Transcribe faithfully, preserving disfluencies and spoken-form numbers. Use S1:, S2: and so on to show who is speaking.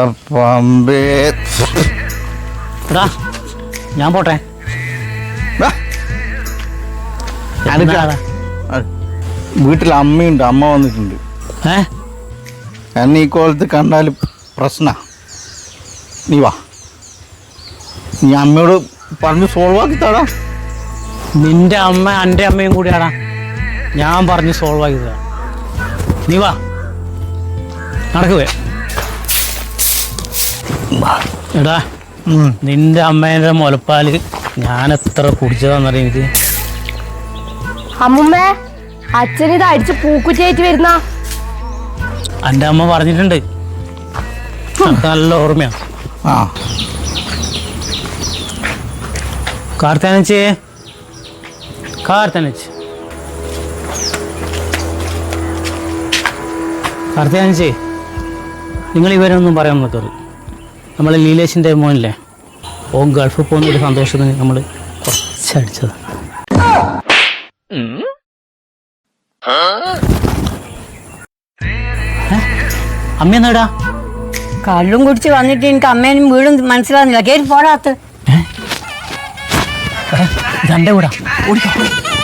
S1: പമ്പേ
S2: ഞാൻ പോട്ടെ.
S1: വീട്ടിൽ അമ്മയുണ്ട്, അമ്മ വന്നിട്ടുണ്ട്.
S2: ഏ
S1: എന്നെ ഈ കോലത്ത് കണ്ടാൽ പ്രശ്ന. നീ വാ, നീ അമ്മയോട് പറഞ്ഞ് സോൾവ് ആക്കി തടാ.
S2: നിന്റെ അമ്മ എൻ്റെ അമ്മയും കൂടിയാടാ. ഞാൻ പറഞ്ഞ് സോൾവ് ആക്കി തരാം. നീ വാ, നടക്കുവേ. എടാ, നിന്റെ അമ്മേൻ്റെ മുലപ്പാല് ഞാൻ എത്ര കുടിച്ചതാന്നറിയ എനിക്ക്.
S3: അമ്മുമ്മ, അച്ഛൻ ഇത് അടിച്ച് പൂക്കുറ്റിയായിട്ട് വരുന്ന.
S2: എൻ്റെ അമ്മ പറഞ്ഞിട്ടുണ്ട്, നല്ല ഓർമ്മയാ.
S1: ആ
S2: കാർത്താനച്ചേ, കാർത്താനച്ച് കാർത്താനച്ചേ, നിങ്ങൾ ഇവരൊന്നും പറയാൻ നോക്കരുത്. നമ്മൾ ലീലേഷിൻ്റെ മോനില്ലേ, ഓൻ ഗൾഫിൽ പോകുന്നൊരു സന്തോഷത്തിന് നമ്മൾ കുറച്ചടിച്ചത്. അമ്മ എന്നാടാ?
S4: കള്ളും കുടിച്ച് വന്നിട്ട് എനിക്ക് അമ്മേനും വീടും മനസ്സിലാകുന്നില്ല. കയറി പോടാത്ത്.
S2: ഇതെന്റെ കൂടാ. ഓടിക്കോ.